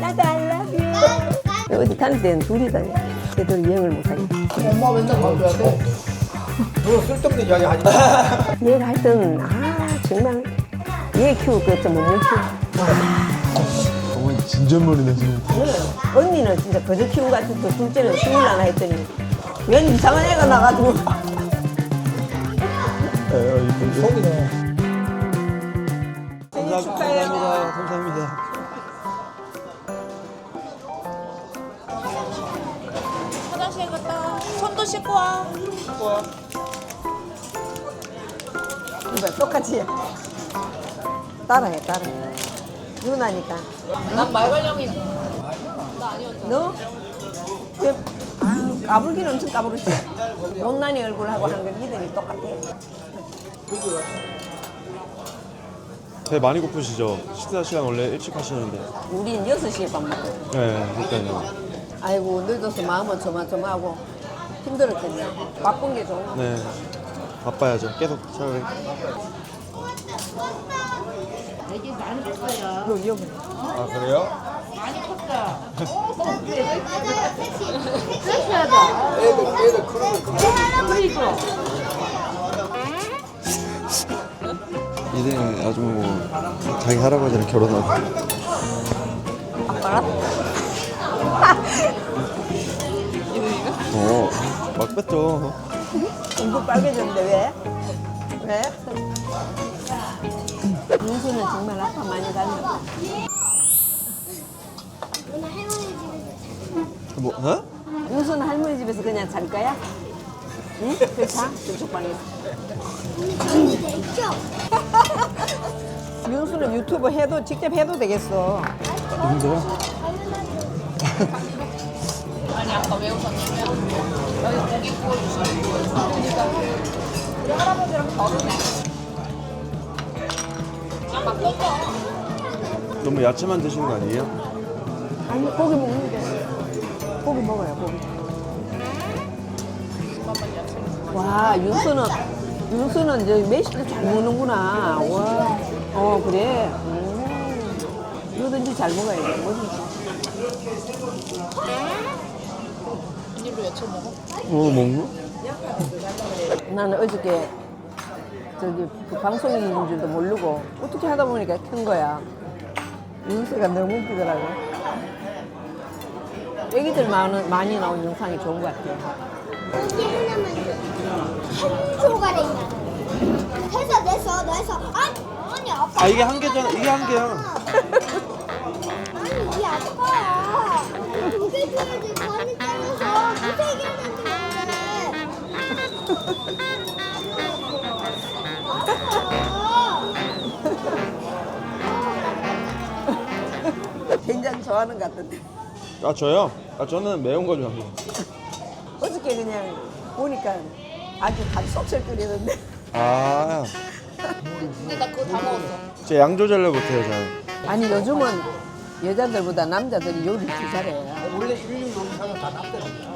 나도 I love you. 어디 다닐 때는 둘이 다녀. 걔들 여행을 못 하니까. 엄마 맨날 봐줘야 돼. 너 쓸데없는 이야기 하지 마. 얘가 하여튼 정말 얘 키울 거 없죠. 못 키워. 어머니 진전머리네 지금. 언니는 진짜 거저 키운 것 같아서 둘째는 키우려나 했더니 웬 이상한 애가 나가지고. 속이네. 생일 축하해요. 감사합니다. 화장실 갔다 손도 씻고 와. 이봐 똑같이 따라해. 누나니까. 난 말괄량이 너? 까불기는 엄청 까불었지. 못난이 얼굴하고 하는 건 이들이 똑같아. 배 많이 고프시죠? 식사 시간 원래 일찍 하시는데. 우린 6시에 밥 먹고. 네, 그러니까요. 아이고 늦어서 마음은 조마조마하고 힘들었겠네. 바쁜 게 좋은 거. 네, 바빠야죠. 계속 차라리. 애기 많이 컸어요. 여기. 아 그래요? 많이 컸다. 애들 그런 거 이제 아주 뭐 자기 할아버지랑 결혼하고. 아빠랑? 막 뺐죠. 얼굴 빨개졌는데 왜? 왜? 윤수는 정말 아빠 많이 닮았다. 뭐? 어? 윤수는 할머니 집에서 그냥 잘 거야? 응? 그래 자 저쪽 방에서. 윤수는 유튜브 해도 직접 해도 되겠어. 힘들어? 아니 아까 왜 웃었냐면 여기 고기 구워주시는 그러니까 우리 할아버지랑 결혼해. 막 떴어. 너무 야채만 드시는 거 아니에요? 아니 고기 먹는데 고기 먹어요 고기. 와 윤수는 이제 매실을 잘 먹는구나. 와, 그래. 뭐든지 잘 먹어야 돼. 뭐든지. 비닐로 외쳐 먹어? 먹는? 나는 어저께 저기 그 방송인 줄도 모르고 어떻게 하다 보니까 켠 거야. 윤수가 너무 웃기더라고. 애기들 많이 나온 영상이 좋은 것 같아. 고기 하나만 한 조각에 해서 내서 아니 아빠 아 이게 한 개잖아. 이게 한 개야. 아니 이 아빠야 두개 줘야지 많이 잘라서 두세 개는 된장 좋아하는 것 같던데. 아 저요? 아 저는 매운 거 좋아해요. 어저께 그냥 보니까 아주 밥솥을 끓이는데. 아, 근데 나 그거 다 먹었어. 제 양 조절을 못해요 잘. 아니 요즘은 여자들보다 남자들이 요리를 더 잘해. 원래 일류 요리사는 다 남대로야.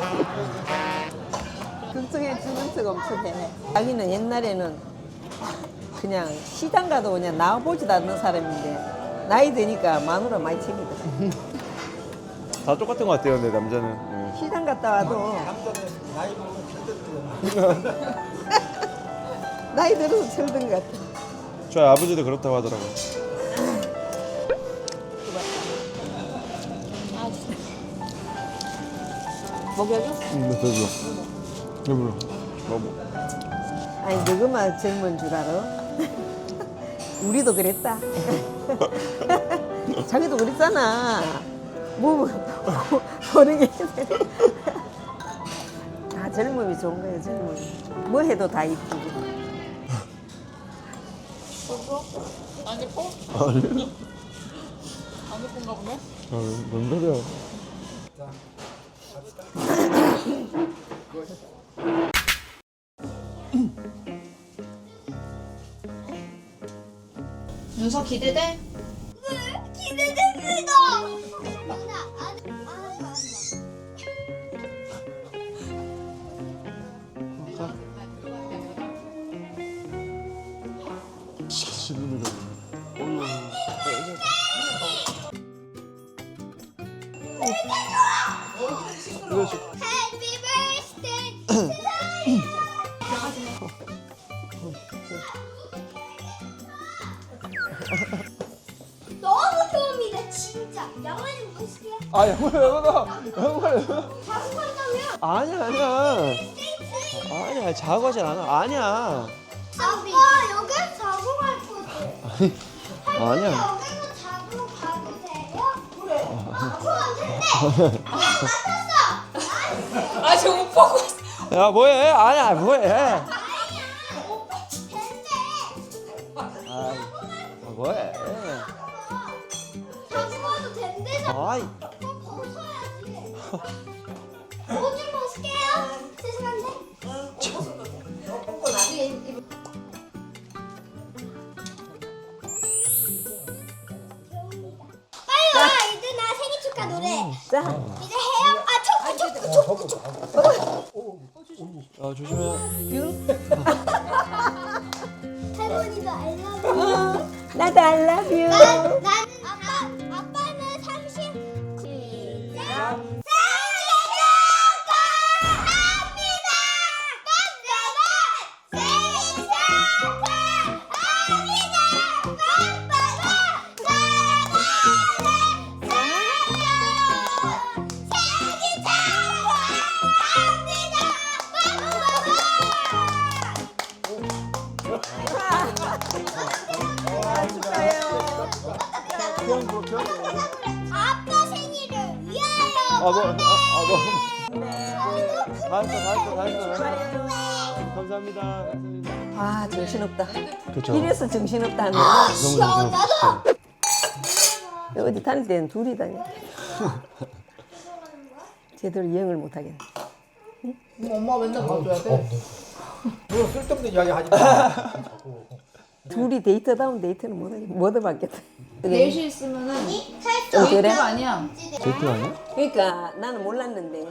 걱정해 주는 척 엄청 해. 자기는 옛날에는 그냥 시장 가도 그냥 나와보지도 않는 사람인데 나이 드니까 마누라 많이 챙기더라. 다 똑같은 것 같아요, 근데 남자는. 네. 시장 갔다 와도 남자는 나이 먹으면 힘들대. 나이 들어서 철든 것 같아. 저희 아버지도 그렇다고 하더라고요. 먹여줘? 네, 되죠. 여보로. 여보. 아니 너그만 젊은 줄 알아? 우리도 그랬다. 자기도 그랬잖아. 뭐 버리게. 다 젊음이 좋은 거예요, 젊음이. 뭐 해도 다 이쁘고. 안 예뻐? 아니. 안 예쁜가 보네? 뭔 소리야. 윤서 기대돼? 기대됩니다. 진짜 양말 좀 보실게요. 아 양말 자고 간다며? 아니야 스테이트. 아니야 자고 하진 않아 아니야 아빠 여기 자고 갈 거지. 아니야 여기서 자고 가도 돼요? 그래. 자고 안 된대. 맞았어. 아 지금 못 보고 있어. 야 뭐해 아니야 뭐해 아니야. 오빠 된대. 아 뭐해 자고 가도 된대잖아. 아이 벗어야지. 옷 좀 벗을게요. 죄송한데. 빨리 와. 이제 나 생일 축하 노래. 자, 이제 해요. 아 초코. 아 조심해 할머니도 알라뷰. 나도 I love you. 난 아빠는 30. 시작. 생일 축하합니다. 빰빠밤. 생일 축하합니다. 빰빠밤. 사랑하는 생일 축하합니다. 아빠 생일을 위하여. 감사합니다 아, 정신없다. 그쵸 이래서 정신없다 하는 아, 시원하다. 어디 다닐 때는 둘이 다녀. 제대로 여행을 못 하겠네. 엄마 맨날 봐줘야 돼. 너 쓸데없는 이야기 하지 마. 자꾸. 둘이 데이트다운 데이트는 못 해봤겠다. 넷이 있으면은 좀 그래? 데이트가 아니야. 데이트 아니야? 그러니까 나는 몰랐는데.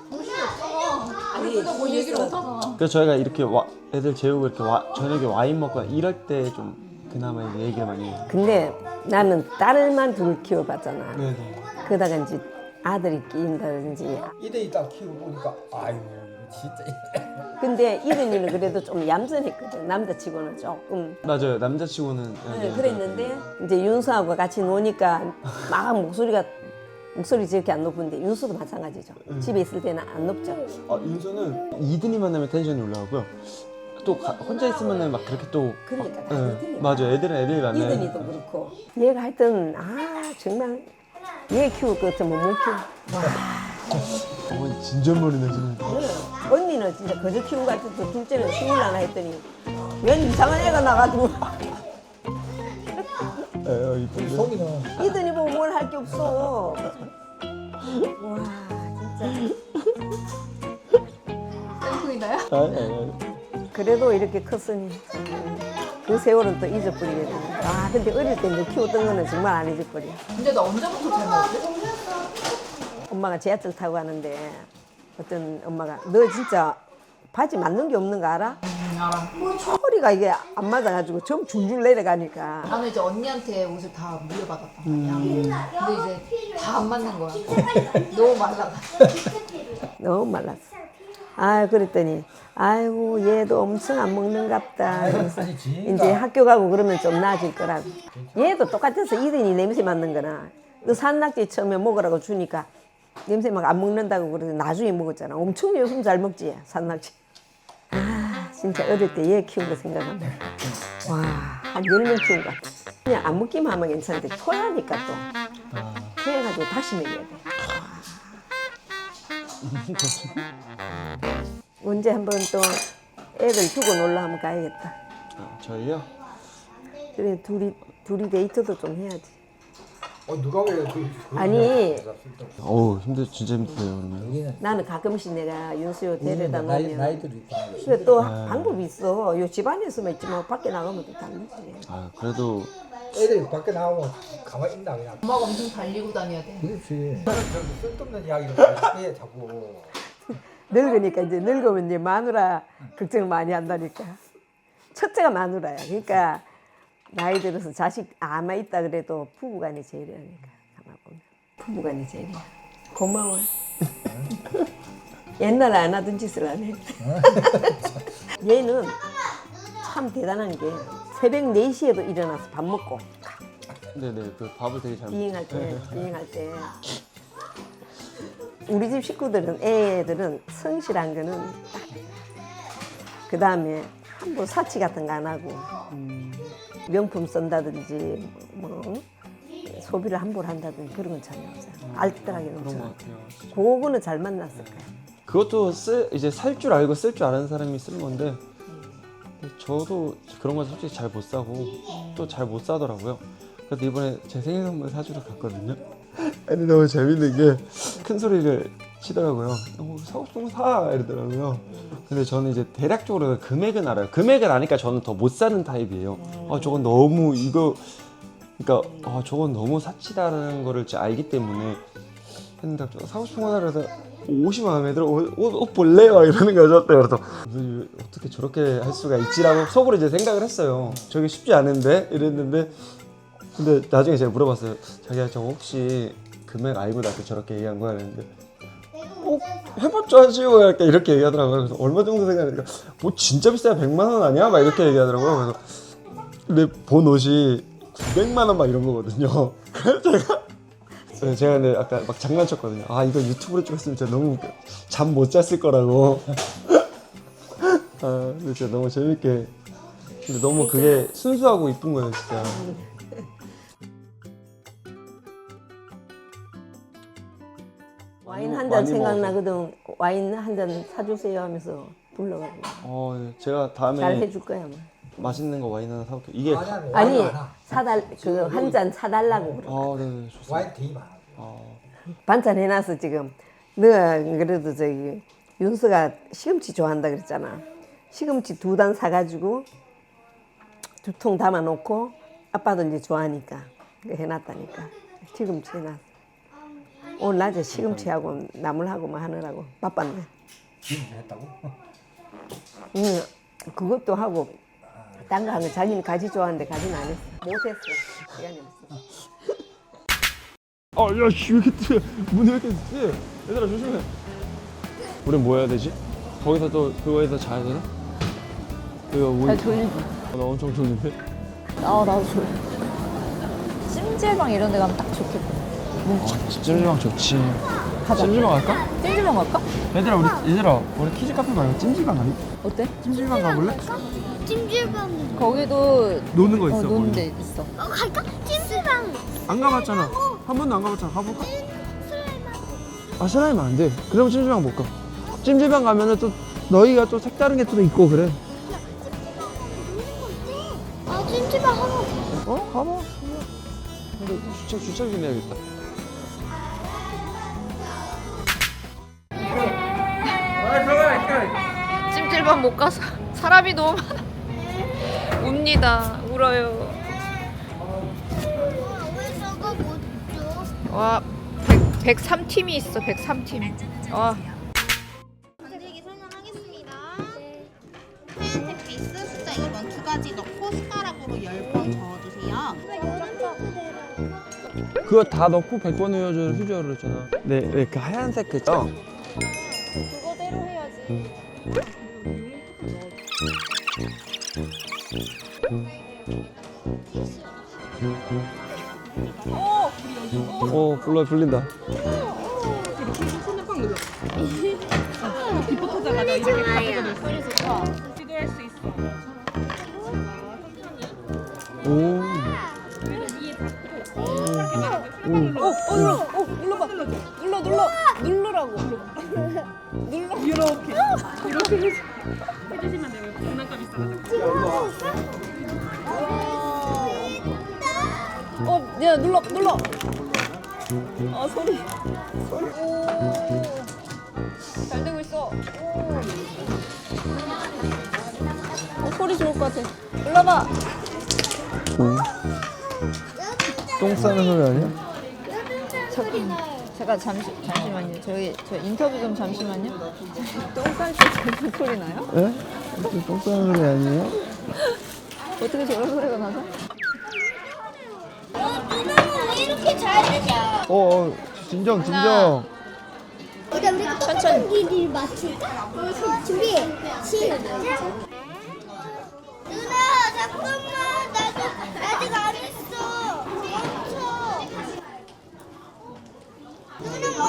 아니, 뭐 얘기를 못 하잖아. 그래서 저희가 이렇게 애들 재우고 이렇게 저녁에 와인 먹거나 이럴 때 좀 그나마 이제 얘기를 많이 해요 근데 나는 딸만 둘 키워봤잖아. 네네 그러다가 이제 아들이 끼인다든지. 이대이 딱 키우고 보니까 아유 이거 진짜. 근데 이른이는 그래도 좀 얌전했거든. 남자치고는 조금. 맞아요 남자치고는 네, 그랬는데 이제 윤수하고 같이 노니까 막 목소리 저렇게 안 높은데 윤수도 마찬가지죠. 집에 있을 때는 안 높죠. 윤서는 이든이 만나면 텐션이 올라가고요 또 혼자 있으면 막 그렇게 또 그러니까 다 틀려. 맞아요 애들은 애들이 만나요 이든이도 그렇고. 얘가 하여튼 정말 얘 키울 것 같으면 못 키워. 어머니 진전머리네 지금 언니는 진짜 거저 키운 것 같아서 둘째는 키우려나 했더니 웬 이상한 애가 나가지고 에어 이쁜데 송이는 이든이 보고 뭘 할 게 없어. 와 진짜. 땡콩이다야? 아니 그래도 이렇게 컸으니 그 세월은 또 잊어버리게 되네. 근데 어릴 때 이제 키웠던 거는 정말 안 잊어버려. 근데 너 언제부터 잘 먹었지? 엄마가 지하철 타고 가는데 어떤 엄마가 너 진짜 바지 맞는 게 없는 거 알아? 알아. 허리가 이게 안 맞아가지고 좀 줄줄 내려가니까. 나는 이제 언니한테 옷을 다 물려받았단 말이야. 근데 이제 다 안 맞는 거야. 너무 말라가지고. 너무 말랐어. 그랬더니 아이고 얘도 엄청 안 먹는갑다. 그래서 이제 학교 가고 그러면 좀 나아질 거라고. 얘도 똑같아서 이든이 냄새 맡는 거나 너 산낙지 처음에 먹으라고 주니까 냄새 막 안 먹는다고 그래서 나중에 먹었잖아. 엄청 요즘 잘 먹지 산낙지. 진짜 어릴 때 얘 키운 거 생각하면 한 10명 키운 것 같아. 그냥 안 먹기만 하면 괜찮은데 토하니까 또 그래가지고 다시 먹여야 돼. 언제 한번 또 애들 두고 놀러 한번 가야겠다. 저희요? 그래 둘이 데이트도 좀 해야지. 누가 왜 아니 어우 진짜 힘드네요 그러면 나는 가끔씩 내가 윤수요 데려다 놓으면 나이들이 있구나. 그래 또 방법이 있어. 요 집안에서만 있지만 밖에 나가면 또 다르지. 그래도 애들이 밖에 나오면 가만히 있나 그냥. 엄마가 엄청 달리고 다녀야 돼. 그렇지. 저는 쓸데없는 이야기를 해 자꾸. 늙으니까 이제 늙으면 이제 마누라 걱정을 많이 한다니까. 첫째가 마누라야. 그러니까 나이 들어서 자식 아마 있다 그래도 부부간이 제일이라니까. 가만 보면 부부간이 제일이야. 고마워. 옛날에 안 하던 짓을 안 해. 얘는 참 대단한 게 새벽 4시에도 일어나서 밥 먹고 네네 그 밥을 되게 잘 비행할 때 우리 집 식구들은 애들은 성실한 거는 딱. 그 다음에 함부로 사치 같은 거 안 하고 명품 쓴다든지 뭐 소비를 함부로 한다든지 그런 건 전혀 없어요. 알뜰하게 그런 넘쳐. 것 같아요. 그거는 잘 만났을 거예요. 그것도 이제 살 줄 알고 쓸 줄 아는 사람이 쓰는 건데 저도 그런 건 솔직히 잘 못 사고 또 잘 못 사더라고요. 그래서 이번에 제 생일 선물 사주러 갔거든요. 근데 너무 재밌는 게 큰 소리를 치더라고요. 사고 싶은 거 사! 이러더라고요. 근데 저는 이제 대략적으로 금액은 알아요. 금액을 아니까 저는 더 못 사는 타입이에요. 아 저건 너무 이거 그러니까 아 저건 너무 사치다라는 거를 제가 알기 때문에 했는데 사고 싶은 거 사라서 옷이 마음에 들어 옷 볼래? 막 이러는 거죠. 그래서 어떻게 저렇게 할 수가 있지라고 속으로 이제 생각을 했어요. 저게 쉽지 않은데 이랬는데 근데 나중에 제가 물어봤어요. 자기야 저 혹시 금액 알고 나한테 저렇게 얘기한 거야? 이랬는데 해봤자 하지요. 약간 이렇게 얘기하더라고요. 그래서 얼마 정도 생각하니까 뭐 진짜 비싸야 100만 원 아니야? 막 이렇게 얘기하더라고요. 그래서 근데 본 옷이 900만 원 막 이런 거거든요. 그래서 제가 근데 아까 막 장난쳤거든요. 아 이거 유튜브로 찍었으면 진짜 너무 잠 못 잤을 거라고. 아 근데 진짜 너무 재밌게. 근데 너무 그게 순수하고 이쁜 거예요 진짜. 와인 한 잔 많이 생각나거든. 와인 한 잔 사주세요 하면서 불러가고 네. 제가 다음에 잘 해줄 거야 뭐. 맛있는 거 와인 하나 사올게요. 이게 아니 그 한 잔 사달라고 그래. 네 좋습니다. 와인 되게 많아. 반찬 해놨어 지금. 너가 그래도 저기 윤서가 시금치 좋아한다 그랬잖아. 시금치 2단 사가지고 2통 담아놓고 아빠도 이제 좋아하니까 해놨다니까. 시금치 해놨어. 오늘 낮에 시금치하고 나물하고 뭐 하느라고 바빴네. 지금 했다고? 응, 그것도 하고 딴 거 하면 자기는 가지 좋아하는데 가지는 안 했어. 못했어. 시간이 없어. 야씨 왜 이렇게 뜨? 문이 왜 이렇게 뜨? 얘들아 조심해. 우린 뭐 해야 되지? 거기서 또 그거에서 자야 되나? 이거 뭐? 나 졸리지. 나 엄청 졸린데. 나도 졸려. 찜질방 이런 데 가면 딱 좋겠다. 찜질방 좋지. 가자. 찜질방 갈까? 찜질방 갈까? 얘들아 우리 키즈 카페 말고 찜질방 가니? 어때? 찜질방 가볼래? 찜질방. 거기도 노는 거 있어. 노는 데 있어. 갈까? 찜질방. 안 가봤잖아. 한 번도 안 가봤잖아. 가볼까? 슬라임하고. 슬라임 안 돼. 그럼 찜질방 못 가. 찜질방 가면은 또 너희가 또 색다른 게 또 있고 그래. 아 찜질방 하고. 가봐. 근데 주차비 내야겠다. 찜질방 못 가서 사람이 너무 많아. 웁니다. 울어요. 왜 저거 못 줘? 와, 103팀이 있어. 103팀. 와. 만들기 설명하겠습니다. 하얀색 베이스 숫자 2번 2가지 넣고 숟가락으로 10번 저어주세요. 그거 다 넣고 100번 외워주는 휴지어를 했잖아. 네, 그 하얀색 그죠? 그거대로 해야지. 불린다. 누르라고. 야, 눌러. 아, 소리. 오. 잘 되고 있어. 소리 좋을 것 같아. 눌러봐. 똥 싸는 소리 아니야? 제가 잠시만요. 저 인터뷰 좀 잠시만요. 똥쌀때 무슨 소리 나요? 예? 똥 싸는 소리 아니에요? 어떻게 저런 소리가 나죠? 누나는 왜 이렇게 잘 되냐? 진정. 우리가 천천히 맞출까? 준비 시작. 누나 잠깐만 나도 아직 안 했어.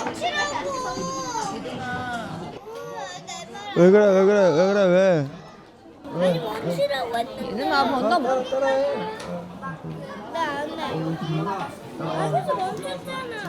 왜 그래 왜 그래 왜 그래 왜? 아니 멈추라고 했는데. 얘들아 뭔가 뭐 따라해. 나안 해. 여기서 멈췄잖아.